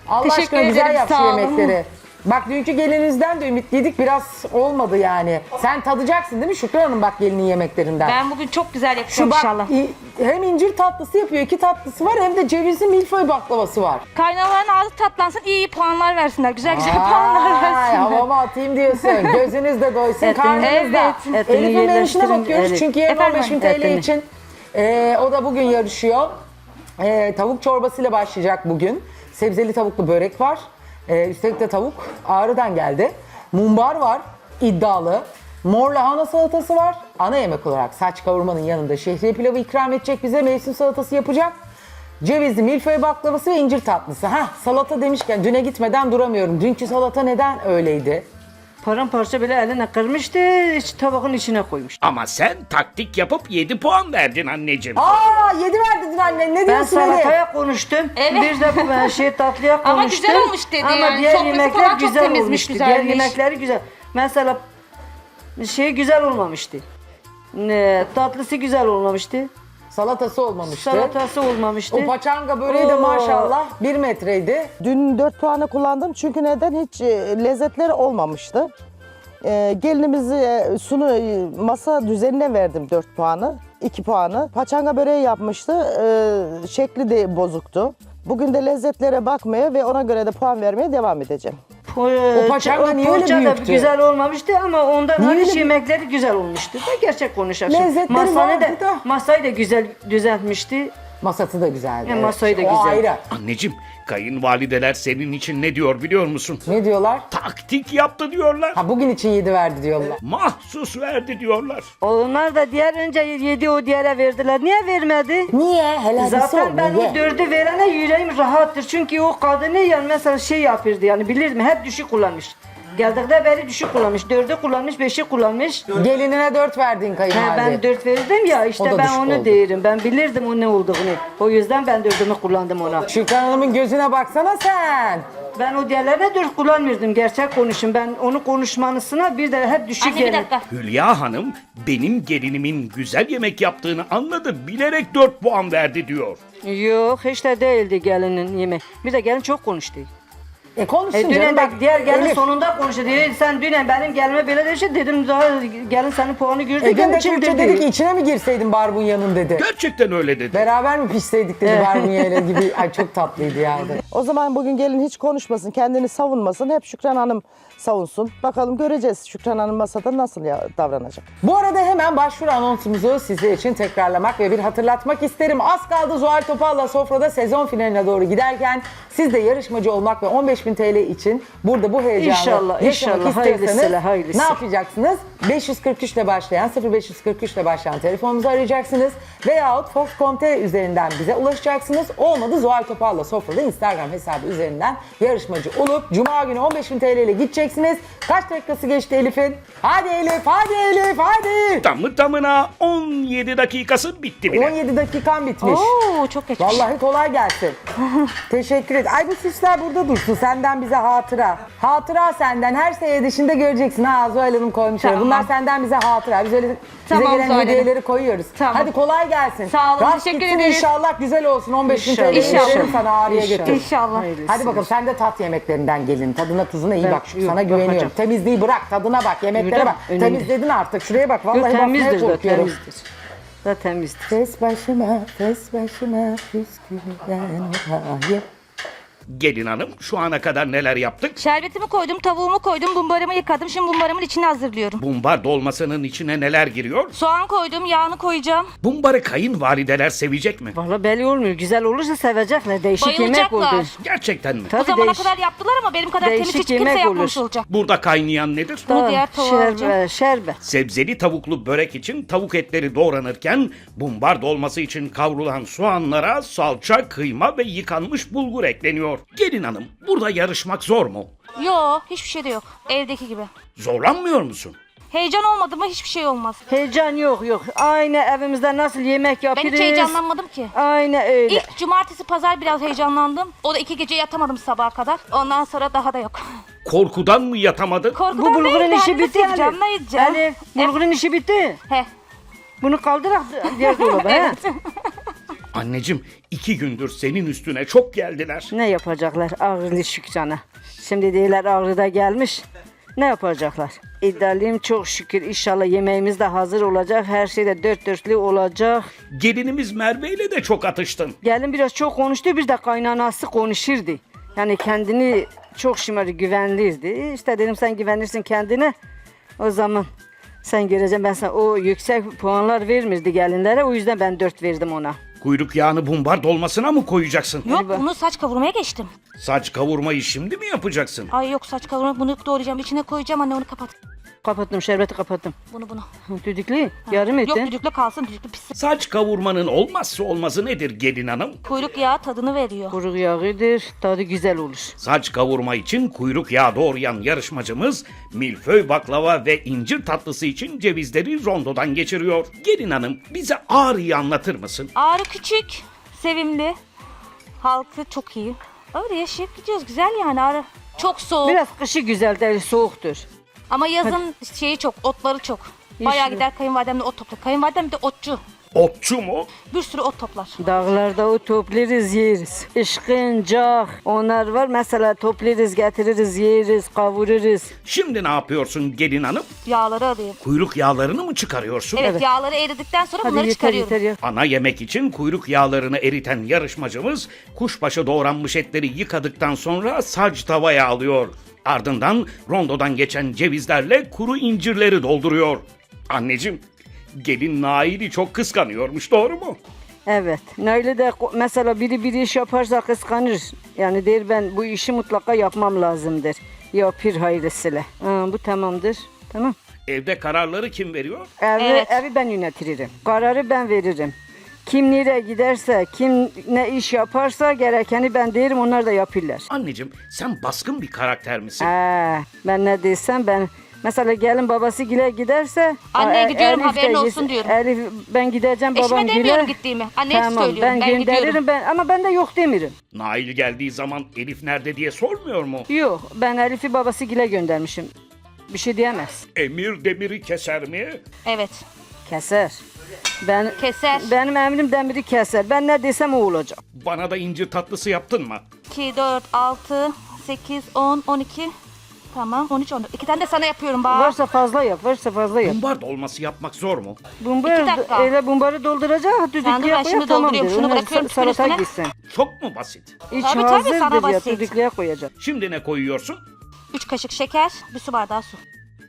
Allah Teşekkür aşkına güzel ederim, yap şu sağ olun. yemekleri. Bak dünkü gelininizden de ümitliydik, biraz olmadı yani. Sen tadacaksın değil mi Şükran Hanım bak gelinin yemeklerinden? Ben bugün çok güzel Şu yapacağım bak inşallah. hem incir tatlısı yapıyor, 2 tatlısı var, hem de cevizli milföy baklavası var. Kaynanaların ağzı tatlansın, iyi puanlar versinler. Güzel güzel puanlar Ay, versinler. havama atayım diyorsun. Gözünüz de doysun, karnınız da. Evet. Elif'in menüsüne yerleştirin, bakıyoruz evet. çünkü yarın Efendim, 15.000 TL etini. için o da bugün yarışıyor. Tavuk çorbasıyla başlayacak bugün. Sebzeli tavuklu börek var. Üstelik de tavuk Ağrı'dan geldi. Mumbar var, iddialı. Mor lahana salatası var. Ana yemek olarak saç kavurmanın yanında şehriye pilavı ikram edecek bize. Mevsim salatası yapacak. Cevizli milföy baklavası ve incir tatlısı. Salata demişken düne gitmeden duramıyorum. Dünkü salata neden öyleydi? Paramparça bile eline kırmıştı, tabağın içine koymuş. Ama sen taktik yapıp 7 puan verdin anneciğim. 7 verdin anne. Ne Ben diyorsun Elif? salataya konuştum, Evet. bir de tatlıya konuştum. Ama güzel olmuş dedi Ama yani. diğer Sofrası yemekler falan çok güzel temizmiş, olmuştu. güzelmiş. Diğer yemekleri güzel. Mesela güzel olmamıştı. Tatlısı güzel olmamıştı. Salatası olmamıştı. Salatası olmamıştı. O paçanga böreği de Oo. maşallah 1 metreydi. Dün 4 puanı kullandım çünkü neden hiç lezzetleri olmamıştı. Gelinimizi masa düzenine verdim 4 puanı, 2 puanı. Paçanga böreği yapmıştı, şekli de bozuktu. Bugün de lezzetlere bakmaya ve ona göre de puan vermeye devam edeceğim. O paçanga niye öyle poğaça da büyüktü? güzel olmamıştı ama ondan Niye hariç öyle- yemekleri güzel olmuştu. Da gerçek konuşalım. Lezzetleri vardı da. Masayı da güzel düzeltmişti. Masası da güzeldi. Ya, masayı da O güzel. ayrı. Anneciğim, kayınvalideler senin için ne diyor biliyor musun? Ne diyorlar? Taktik yaptı diyorlar. Bugün için 7 verdi diyorlar. Mahsus verdi diyorlar. Onlar da diğer önce yedi o diğere verdiler. Niye vermedi? Niye? Helal Zaten ben o 4'ü verene yüreğim rahattır. Çünkü o kadını yani mesela yapırdı yani bilir mi? Hep düşük kullanmış. Geldikten beri düşük kullanmış. 4'ü kullanmış, 5'i kullanmış. Gelinine 4 verdin kayınvalide. Ben 4 verirdim ya O işte da ben düşük onu oldu. derim. Ben bilirdim o ne olduğunu. O yüzden ben 4'ümü kullandım ona. Şükran Hanım'ın gözüne baksana sen. Ben o diğerlerine 4 kullanmıyordum. Gerçek konuşun. Ben onu konuşmanısına bir de hep düşük Anne bir yerim. dakika. Hülya Hanım benim gelinimin güzel yemek yaptığını anladı. Bilerek 4 puan verdi diyor. Yok hiç de değildi gelinin yemeği. Bir de gelin çok konuştu. Konuşsun Dünen canım. bak diğer gelin Elif, sonunda konuştu. Dedi, sen dünen benim gelime böyle demiştin. Dedim daha gelin senin puanı gördü. Dün Gelin de Tuğçe çıldırdı. dedi ki içine mi girseydin barbunyanın dedi. Gerçekten öyle dedi. Beraber mi pişseydik dedi barbunyayla gibi. Ay çok tatlıydı ya. O zaman bugün gelin hiç konuşmasın, kendini savunmasın. Hep Şükran Hanım savunsun. Bakalım göreceğiz Şükran Hanım masada nasıl davranacak. Bu arada hemen başvuru anonsumuzu sizler için tekrarlamak ve bir hatırlatmak isterim. Az kaldı Zuhal Topal'la sofrada sezon finaline doğru giderken siz de yarışmacı olmak ve 15.000 TL için burada bu heyecanı İnşallah, yaşamak inşallah. istiyorsanız Hayırlısı, hayırlısı. ne yapacaksınız? 543 ile başlayan 0543 ile başlayan telefonumuzu arayacaksınız veyahut Fox.com.tr üzerinden bize ulaşacaksınız. Olmadı Zuhal Topal'la sofrada Instagram hesabı üzerinden yarışmacı olup Cuma günü 15.000 TL ile gideceksiniz. Kaç dakikası geçti Elif'in? Hadi Elif, hadi Elif, hadi! Tamı tamına 17 dakikası bitti bile. 17 dakikan bitmiş. Oo çok geç. Vallahi kolay gelsin. Teşekkür et. Ay bu süsler burada dursun. Senden bize hatıra. Hatıra senden. Her sene dışında göreceksin. Zuhal Hanım koymuş. Tamam. Bunlar senden bize hatıra. Biz öyle bize Tamam, gelen Zuhal Hanım. hediyeleri koyuyoruz. Tamam. Hadi kolay gelsin. Sağ olun, Rast teşekkür gitsin ederiz. İnşallah güzel olsun. 15.000 TL İnşallah. veririm sana ağrıya İnşallah. götür. İnşallah. Hayırlısı. Hadi bakalım sen de tat yemeklerinden gelin. Tadına tuzuna iyi Ben- bak. yok, Sana güveniyorum. bakacağım. Temizliği bırak. Tadına bak. Yemeklere Öyle bak. mi? Önemli. Temizledin artık. Şuraya bak. Vallahi Yok, bakmaya temizdir de korkuyorum. temizdir. Da temizdir. Fes başıma püskürden olayım. Gelin hanım şu ana kadar neler yaptık? Şerbetimi koydum, tavuğumu koydum, bumbarımı yıkadım. Şimdi bumbarımın içini hazırlıyorum. Bumbar dolmasının içine neler giriyor? Soğan koydum, yağını koyacağım. Bumbarı kayınvalideler sevecek mi? Valla belli olmuyor. Güzel olursa sevecekler. Değişik yemek oldu. Bayılacaklar. Gerçekten mi? O Tabii zamana değiş- kadar yaptılar ama benim kadar temiz Değişik hiç kimse yemek yapmamış olur. olacak. Burada kaynayan nedir? Bunu diğer tavuğa alacağım. Şerbet. Sebzeli tavuklu börek için tavuk etleri doğranırken bumbar dolması için kavrulan soğanlara salça, kıyma ve yıkanmış bulgur ekleniyor. Gelin hanım burada yarışmak zor mu? Yo, hiçbir şey de yok. Evdeki gibi. Zorlanmıyor musun? Heyecan olmadı mı hiçbir şey olmaz. Heyecan yok. Aynı evimizde nasıl yemek Ben yapıyoruz. hiç heyecanlanmadım ki. Aynı öyle. İlk cumartesi pazar biraz heyecanlandım. O da 2 gece yatamadım sabaha kadar. Ondan sonra daha da yok. Korkudan mı yatamadın? Korkudan Bu bulgurun değil de işi hani bitti nasıl yapacağım, ne Elif. yiyeceğim? Elif, bulgurun işi bitti. He. Bunu kaldırak diğer dolaba. he? Anneciğim 2 gündür senin üstüne çok geldiler. Ne yapacaklar? Ağrılı Şükran'a. Şimdi değiller Ağrı'da gelmiş. Ne yapacaklar? İddialıyım çok şükür. İnşallah yemeğimiz de hazır olacak. Her şey de dört dörtlük olacak. Gelinimiz Merve ile de çok atıştın. Gelin biraz çok konuştu. Bir de kaynanası konuşurdu. Yani kendini çok şımarı güvenliydi. İşte dedim sen güvenirsin kendine. O zaman sen göreceksin, ben sana o yüksek puanlar vermirdi gelinlere. O yüzden ben 4 verdim ona. Kuyruk yağını bumbar dolmasına mı koyacaksın? Yok bunu saç kavurmaya geçtim. Saç kavurmayı şimdi mi yapacaksın? Ay yok saç kavurma bunu doğrayacağım. İçine koyacağım anne onu kapat. Kapattım, şerbeti kapattım. Bunu. Düdüklü, yarım Yok ettin. düdüklü kalsın düdüklü pişsin. Saç kavurmanın olmazsa olmazı nedir gelin hanım? Kuyruk yağı tadını veriyor. Kuru yağıdır, tadı güzel olur. Saç kavurma için kuyruk yağı doğrayan yarışmacımız milföy baklava ve incir tatlısı için cevizleri rondodan geçiriyor. Gelin hanım bize Ağrı'yı anlatır mısın? Ağrı küçük, sevimli. Halkı çok iyi. Öyle yaşayıp gidiyoruz. Güzel yani Ağrı. Çok soğuk. Biraz kışı güzel değil, soğuktur. Ama yazın şeyi çok, otları çok. Bayağı Yeşil. gider kayınvalidemle ot toplar. Kayınvalidem bir de otçu. Otçu mu? Bir sürü ot toplar. Dağlarda o toplarız, yeriz. Işkıncak, onlar var. Mesela toplarız, getiririz, yeriz, kavururuz. Şimdi ne yapıyorsun gelin hanım? Yağları alayım. Kuyruk yağlarını mı çıkarıyorsun? Evet, yağları eridikten sonra Hadi bunları yeter çıkarıyorum. yeter ya. Ana yemek için kuyruk yağlarını eriten yarışmacımız kuşbaşı doğranmış etleri yıkadıktan sonra sac tavaya alıyor. Ardından rondodan geçen cevizlerle kuru incirleri dolduruyor. Anneciğim, gelin Nail'i çok kıskanıyormuş, doğru mu? Evet. Öyle de mesela biri iş yaparsa kıskanır. Yani der ben bu işi mutlaka yapmam lazımdır. Yapır hayırlısıyla. Bu tamamdır. Tamam. Evde kararları kim veriyor? Evet. Evi ben yönetirim. Kararı ben veririm. Kim nereye giderse, kim ne iş yaparsa gerekeni ben derim, onlar da yapırlar. Anneciğim, sen baskın bir karakter misin? Ben ne desem ben... Mesela gelin babası gile giderse... Anneye gidiyorum, Elif de haberin olsun gitsin. diyorum. Elif ben gideceğim babam Eşime gile. demiyorum gittiğimi. Anneye Tamam, söylüyorum. Ben gönderirim gidiyorum. ama ben de yok demirim. Nail geldiği zaman Elif nerede diye sormuyor mu? Yok, ben Elif'i babası gile göndermişim. Bir şey diyemez. Emir demiri keser mi? Evet. Keser. Keser. Benim emrim demiri keser. Ben ne desem o olacak. Bana da incir tatlısı yaptın mı? 2, 4, 6, 8, 10, 12. Tamam 13, 14. 2 tane de sana yapıyorum bak. Varsa fazla yap, varsa fazla yap. Bumbar dolması yapmak zor mu? Bumbar, 2 dakika. öyle bumbarı dolduracak, Sen dur, düdüklüye ben koyar şimdi tamamdır. dolduruyorum. Şunu Onlar bırakıyorum tüpün salata üstüne. gitsin. Çok mu basit? İç Tabii, hazırdır sana ya, basit. düdüklüye koyacak. Şimdi ne koyuyorsun? 3 kaşık şeker, bir su bardağı su.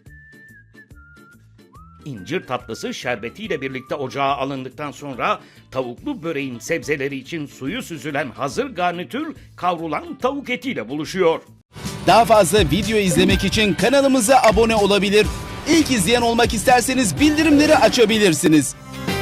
İncir tatlısı şerbetiyle birlikte ocağa alındıktan sonra tavuklu böreğin sebzeleri için suyu süzülen hazır garnitür kavrulan tavuk etiyle buluşuyor. Daha fazla video izlemek için kanalımıza abone olabilir. İlk izleyen olmak isterseniz bildirimleri açabilirsiniz.